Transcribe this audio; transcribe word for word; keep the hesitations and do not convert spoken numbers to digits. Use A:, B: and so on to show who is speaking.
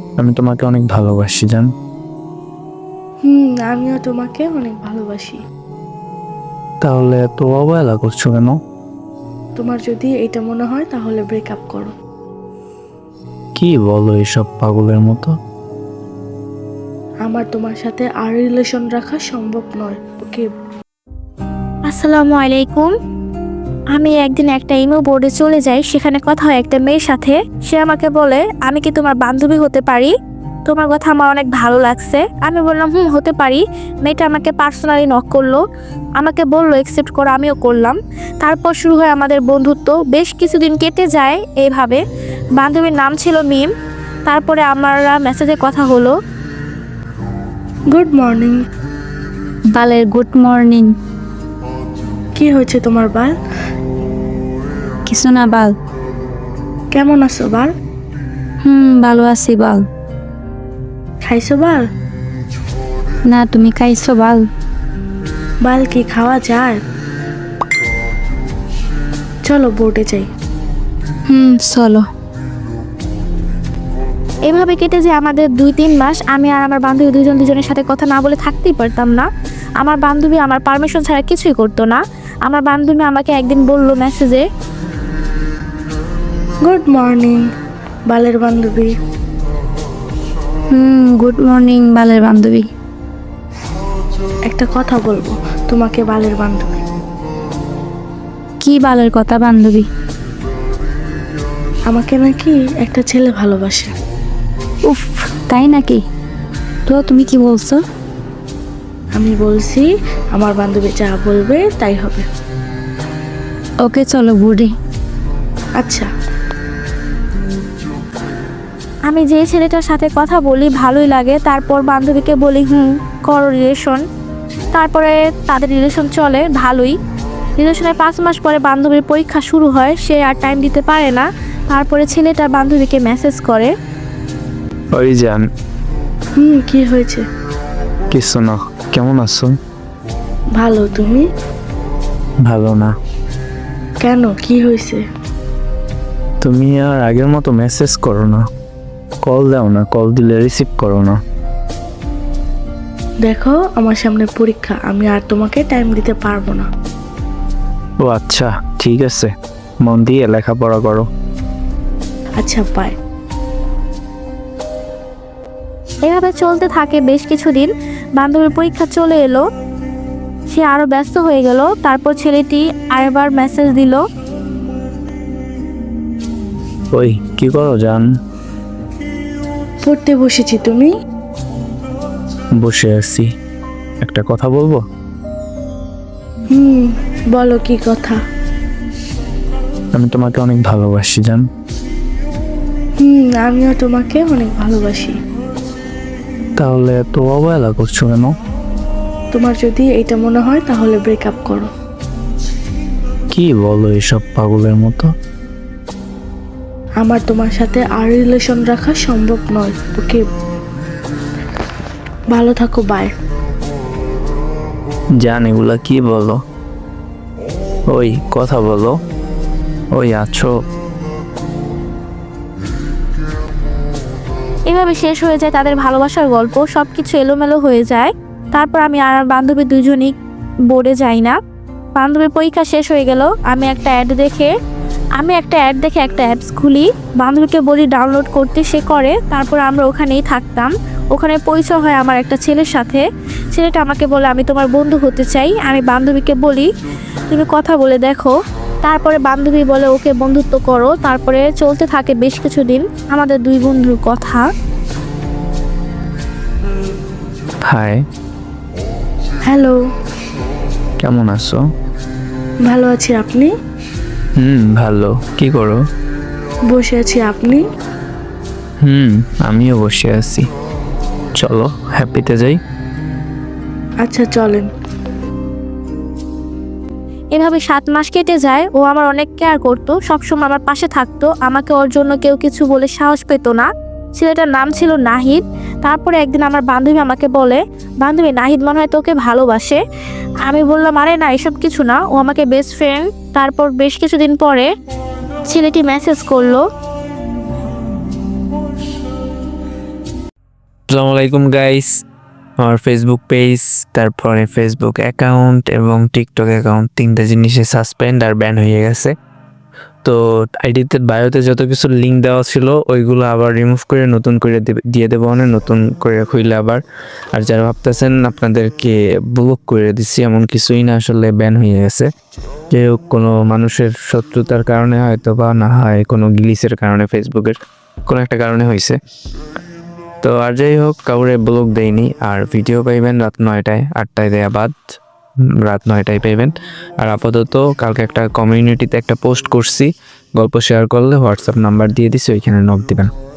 A: আমি তোমাকে অনেক ভালোবাসি জান।
B: হুম আমিও তোমাকে অনেক ভালোবাসি।
A: তাহলে এত অবহেলা করছো কেন?
B: তোমার যদি এটা মনে হয় তাহলে ব্রেকআপ করো।
A: কি বলো এসব পাগলের মতো?
B: আমার তোমার সাথে আর রিলেশন রাখা সম্ভব নয়। ওকে।
C: আসসালামু আলাইকুম। আমি একদিন একটা ইমো বোর্ডে চলে যাই, সেখানে কথা হয় একটা মেয়ের সাথে। সে আমাকে বলে, আমি কি তোমার বান্ধবী হতে পারি? তোমার কথা আমার অনেক ভালো লাগছে। আমি বললাম হুম হতে পারি। মেয়েটা আমাকে পার্সোনালি নক করলো, আমাকে বললো অ্যাকসেপ্ট করো, আমিও করলাম। তারপর শুরু হয় আমাদের বন্ধুত্ব। বেশ কিছুদিন কেটে যায় এইভাবে। বান্ধবীর নাম ছিল মিম। তারপরে আমরা মেসেজে কথা হলো।
B: Good morning.
C: বালের গুড মর্নিং।
B: কি হয়েছে তোমার বাল?
C: কিছু না বাল।
B: কেমন আছো বাল?
C: হুম ভালো আছি বাল।
B: খাইছো বাল?
C: না তুমি খাইছো বাল?
B: বাল কি খাওয়া যায়? চলো বোর্ডে যাই।
C: হুম চলো। এভাবে কেটে যে আমাদের দুই তিন মাস, আমি আর আমার বান্ধবী দুজন দুজনের সাথে কথা না বলে থাকতেই পারতাম না। আমার বান্ধবী আমার পারমিশন ছাড়া কিছুই করতো না। আমার বান্ধবী আমাকে একদিন বললো মেসেজে,
B: গুড মর্নিং বালের বান্ধবী।
C: হুম গুড মর্নিং বালের বান্ধবী।
B: একটা কথা বলবো তোমাকে বালের বান্ধবী।
C: কি বালের কথা বান্ধবী?
B: আমাকে নাকি একটা ছেলে ভালোবাসে।
C: উফ তাই নাকি? তো তুমি কি বলছো?
B: আমি বলছি আমার বান্ধবী যা বলবে তাই হবে।
C: ওকে চলো বুড়ি।
B: আচ্ছা।
C: আমি যে ছেলেটার সাথে কথা বলি ভালোই লাগে, তারপর বান্ধবীকে বলি হুম করো রিলেশন। তারপরে তাদের রিলেশন চলে ভালোই। রিলেশনের পাঁচ মাস পরে বান্ধবীর পরীক্ষা শুরু হয়, সে আর টাইম দিতে পারে না। তারপরে ছেলেটা বান্ধবীকে মেসেজ করে।
A: ওই জান।
B: হুম কি হয়েছে?
A: কিছু না। কেমন আছো?
B: ভালো, তুমি?
A: ভালো না।
B: কেন, কি হয়েছে?
A: তুমি আর আগের মতো মেসেজ করো না, কল দাও না, কল দিলে রিসিভ করো না।
B: দেখো আমার সামনে পরীক্ষা, আমি আর তোমাকে টাইম দিতে পারবো না।
A: ও আচ্ছা ঠিক আছে, মন দিয়ে লেখাপড়া করো।
B: আচ্ছা বাই।
C: এভাবে চলতে থাকে বেশ কিছুদিন। বান্ধবীর পরীক্ষা চলে এলো, সে আরো ব্যস্ত হয়ে গেল। তারপর ছেলেটি আরেকবার মেসেজ দিল।
A: ওই কি করো জান?
B: পড়তে বসেছি, তুমি?
A: বসে আছি, একটা কথা বলবো?
B: হুম বলো কি কথা?
A: আমি তোমাকে অনেক ভালোবাসি জান।
B: হুম আমিও তোমাকে অনেক ভালোবাসি।
A: তাহলে এত অবহেলা করছো কেন?
B: তোমার যদি এটা মনে হয় তাহলে ব্রেকআপ করো।
A: কি বলো এসব পাগলের মতো?
B: আমার তোমার সাথে আর রিলেশন রাখা সম্ভব নয়। ওকে, ভালো থাকো, বাই।
A: জান এগুলা কি বলো? ওই কথা বলো। ওই আছো?
C: এভাবে শেষ হয়ে যায় তাদের ভালোবাসার গল্প। সব কিছু এলোমেলো হয়ে যায়। তারপর আমি আর আমার বান্ধবী দুজনই বোর্ডে যাই না। বান্ধবীর পরীক্ষা শেষ হয়ে গেল। আমি একটা অ্যাড দেখে আমি একটা অ্যাড দেখে একটা অ্যাপস খুলি, বান্ধবীকে বলি ডাউনলোড করতে, সে করে। তারপর আমরা ওখানেই থাকতাম। ওখানে পরিচয় হয় আমার একটা ছেলের সাথে। ছেলেটা আমাকে বলে আমি তোমার বন্ধু হতে চাই। আমি বান্ধবীকে বলি তুমি কথা বলে দেখো। তারপরে বান্ধবী বলে ওকে বন্ধুত্ব করো। তারপরে চলতে থাকে বেশ কিছুদিন আমাদের দুই বন্ধুর কথা।
A: হাই।
B: হ্যালো।
A: কেমন আছো?
B: ভালো আছি, আপনি?
A: হুম ভালো। কি করো?
B: বসে আছি, আপনি?
A: হুম আমিও বসে আছি। চলো হ্যাপিতে যাই।
B: আচ্ছা চলেন।
C: এভাবে সাত মাস কেটে যায়। ও আমার অনেক কেয়ার করতো, সবসময় আমার পাশে থাকতো। আমাকে ওর জন্য কেউ কিছু বলে সাহস পেত না। ছেলেটার নাম ছিল নাহিদ। তারপরে একদিন আমার বান্ধবী আমাকে বলে, বান্ধবী নাহিদ মনে হয় তোকে ভালোবাসে। আমি বললাম আরে না, এসব কিছু না, ও আমাকে বেস্ট ফ্রেন্ড। তারপর বেশ কিছুদিন পরে ছেলেটি মেসেজ করলো।
A: আসসালামু আলাইকুম গাইস, আমার ফেসবুক পেজ, তারপরে ফেসবুক অ্যাকাউন্ট এবং টিকটক অ্যাকাউন্ট তিনটা জিনিসে সাসপেন্ড আর ব্যান হয়ে গেছে। তো আইডিতে বায়োতে যত কিছু লিঙ্ক দেওয়া ছিল ওইগুলো আবার রিমুভ করে নতুন করে দেবে- দিয়ে দেবো, মানে নতুন করে খুইলে আবার। আর যারা ভাবতেছেন আপনাদেরকে ব্লক করে দিচ্ছি, এমন কিছুই না, আসলে ব্যান হয়ে গেছে। যে হোক, কোনো মানুষের শত্রুতার কারণে হয়তো বা না হয় কোনো গ্লিচের কারণে, ফেসবুকের কোনো একটা কারণে হয়েছে। তো আর যাই হোক, কাউরে ব্লক দেয়নি। আর ভিডিও পাইবেন রাত নয়টায়, আটটায় দেয়া বাদ উম, রাত নয়টায় পাইবেন। আর আপাতত কালকে একটা কমিউনিটিতে একটা পোস্ট করছি, গল্প শেয়ার করলে হোয়াটসঅ্যাপ নাম্বার দিয়ে দিছি, ওইখানে নক দিবেন।